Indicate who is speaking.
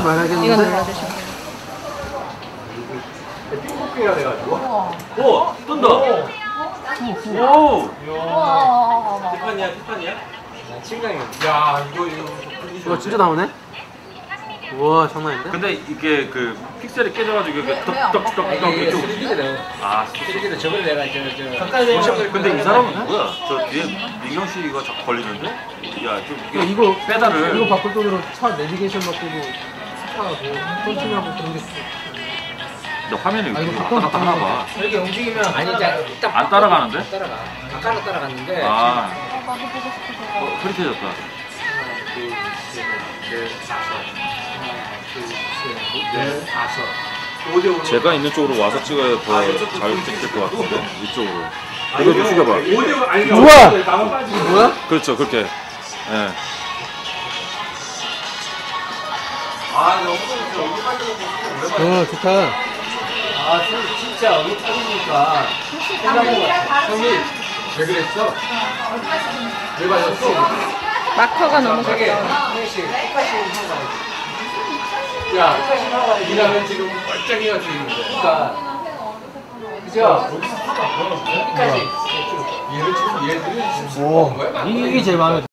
Speaker 1: 말하겠는데.
Speaker 2: 이거 눌러주시면 돼요.
Speaker 3: 핑크가 돼가지고.
Speaker 4: 오! 뜬다! 오!
Speaker 3: 티파니야, 티파니야? 친강이. 야,
Speaker 1: 이거 진짜 나오네? 우와, 장난인데?
Speaker 4: 근데 이게 그 픽셀이 깨져가지고 이게 떡떡떡떡 이렇게
Speaker 3: 3D거든.
Speaker 4: 아,
Speaker 3: 3D로 저번에 내가
Speaker 4: 근데 이 사람은 뭐야? 저 뒤에 민경 씨가 자꾸 걸리는데? 야, 좀
Speaker 1: 야, 이거
Speaker 4: 페달을
Speaker 1: 이거 바꿀 돈으로 차 내비게이션 바꾸고 스타하고 컨트롤하고 그런 게.
Speaker 4: 근데 화면이
Speaker 1: 아, 이거
Speaker 4: 이렇게 왔다 갔다 하나 봐.
Speaker 3: 이렇게 움직이면 아니 일단
Speaker 4: 안 따라가는데?
Speaker 3: 안 따라가. 아까는 따라갔는데.
Speaker 4: 아,
Speaker 2: 나도 보고 싶어서.
Speaker 4: 흐릿해졌다.
Speaker 3: 하나, 둘, 셋, 넷, 다섯. 하나, 둘, 셋, 넷, 다섯. 5대5.
Speaker 4: 제가 있는 쪽으로 와서 찍어야 더 잘 찍힐 것 같은데 이쪽으로. 이거 좀 숙여봐.
Speaker 3: 5대5 아니
Speaker 1: 우와!
Speaker 3: 나만 빠지고.
Speaker 1: 뭐야?
Speaker 4: 그렇죠, 그렇게. 예.
Speaker 3: 아, 너무 여기 빠지고
Speaker 1: 좋다.
Speaker 3: 아, 진짜 여기 빠지니까. 형이 왜 그랬어? 왜 빠졌어?
Speaker 2: 마커가 너무
Speaker 3: 되게
Speaker 2: 가까워.
Speaker 3: 하나씩 똑같이 하는 거야. 야, 이라면 지금 멀쩡해가 지는데. 그러니까. 그죠? 여기까지. 얘를 지금 얘들이 지금
Speaker 1: 오,
Speaker 3: 거야?
Speaker 1: 이게 제일 마음에